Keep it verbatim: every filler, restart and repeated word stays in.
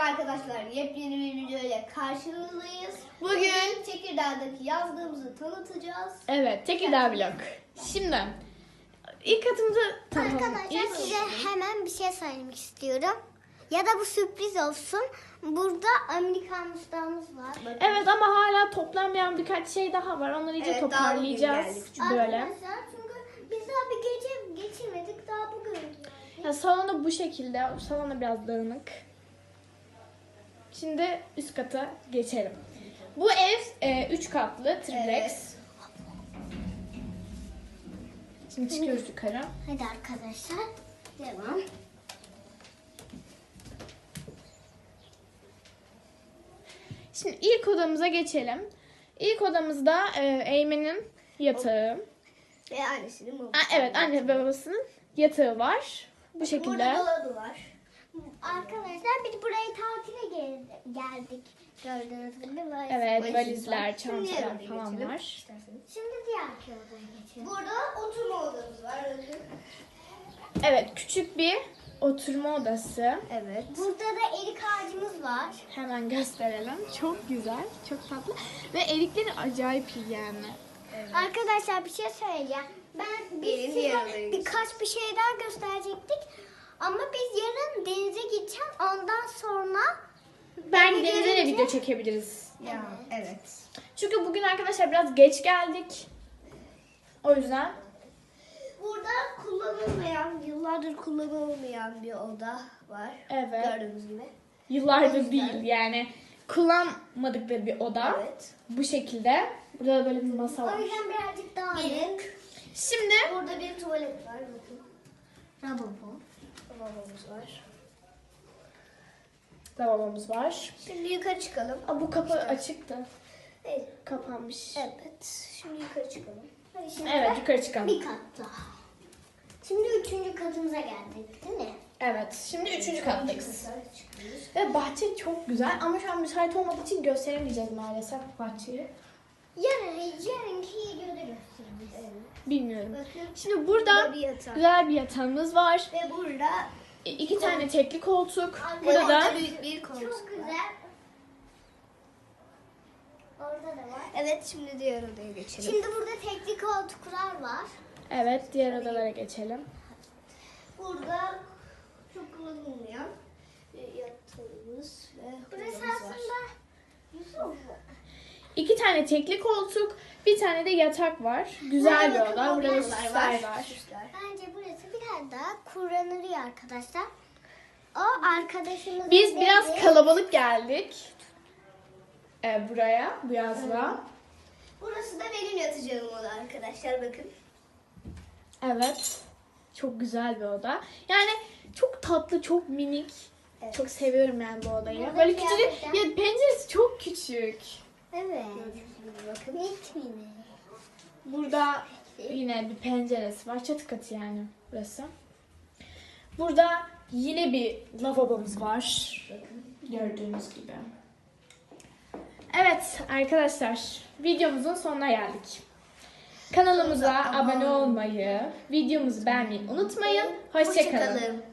arkadaşlar, yepyeni bir video ile karşınızdayız. Bugün Tekirdağ'daki yazlığımızı tanıtacağız. evet Tekirdağ vlog. Şimdi ilk katımızı tanıtalım. Arkadaşlar İlk- size hemen bir şey söylemek istiyorum. Ya da bu sürpriz olsun. Burada Amerikan mustağımız var. Bakın. Evet ama hala toplanmayan birkaç şey daha var. Onları iyice Evet, daha bugün toparlayacağız. geldik Böyle. Arkadaşlar çünkü biz daha bir gece geçirmedik. Daha bugün geldik. Ya, salonu bu şekilde. Salon da biraz dağınık. Şimdi üst kata geçelim. Bu ev e, üç katlı triplex. Evet. Şimdi çıkıyoruz yukarı. Hadi arkadaşlar. Devam. Şimdi ilk odamıza geçelim. İlk odamızda e, Eymen'in yatağı. Ve annesinin babası. Aa, evet, anne ve babasının yatağı var. Bu şekilde. Burada dolabı var. Arkadaşlar biz buraya tatile gel- geldik. Gördüğünüz gibi valiz. Evet, Valiz valizler, var. Şimdi çantalar yanına falan geçelim. var. İsterseniz. Şimdi diğer odaya geçelim. Burada oturma odamız var. Bakın. Evet, küçük bir oturma odası. Evet. Burada da erik ağacımız var. Hemen gösterelim. Çok güzel, çok tatlı. Ve erikleri acayip iyi yani. Arkadaşlar bir şey söyleyeceğim. Ben biz Gelin size diğer odaya birkaç bir şey daha gösterecektik. Ama biz yarın denize gideceğiz. Ondan sonra Ben Beni denize de görünce- video çekebiliriz. Ya, evet. Çünkü bugün arkadaşlar biraz geç geldik. O yüzden Burada kullanılmayan, yıllardır kullanılmayan bir oda var. Evet. Gördüğünüz gibi. yıllardır O yüzden- değil yani kullanmadıkları bir oda. Evet. Bu şekilde. Burada da böyle bir masa o var. yüzden birazcık daha Gelin. Şimdi Burada bir tuvalet var. Bakın. Lavabo. Lavabomuz var. lavabomuz var. Şimdi yukarı çıkalım. Aa, bu kapı açıktı. Evet. Kapanmış. Evet. Şimdi yukarı çıkalım. Hadi şimdi Evet, yukarı çıkalım. bir kat daha. Şimdi üçüncü katımıza geldik değil mi? Evet, şimdi üçüncü kattayız. Yukarı çıkıyoruz. Ve bahçe çok güzel ama şu an müsait olmadığı için gösteremeyeceğiz maalesef bahçeyi. Yarın, yarınki videoda gösteririz. Evet. Bilmiyorum. Bakın. Şimdi burada Burada bir yatak. güzel bir yatağımız var. Ve burada İ- İki tane tekli koltuk. Arkada Burada da orada büyük bir koltuk Çok var. güzel. Orada da var. Evet, şimdi diğer odaya geçelim. Şimdi burada tekli koltuklar var. evet, diğer odalara geçelim. Burada çok kullanılmayan bir yatağımız ve Burası odamız var. aslında Yusuf. İki tane tekli koltuk, bir tane de yatak var. Güzel bir Burada oda. Burada da kaplamalar süsler var. Süsler. Bence burası biraz daha kullanılıyor arkadaşlar. O arkadaşımız Biz biraz kalabalık geldik. Ee, buraya, bu yazla. Burası da benim yatacağım oda arkadaşlar, bakın. Evet. Çok güzel bir oda. Yani çok tatlı, çok minik. Evet. Çok seviyorum yani bu odayı. Burada Böyle küçücük. gerçekten- Ya penceresi çok küçük. Evet. Bakın. Bitmedi. Burada yine bir penceresi var. Çatı katı yani burası. Burada yine bir lavabomuz var. Gördüğünüz gibi. Evet arkadaşlar, videomuzun sonuna geldik. Kanalımıza abone olmayı, videomuzu beğenmeyi unutmayın. Hoşça kalın. Hoşça kalın.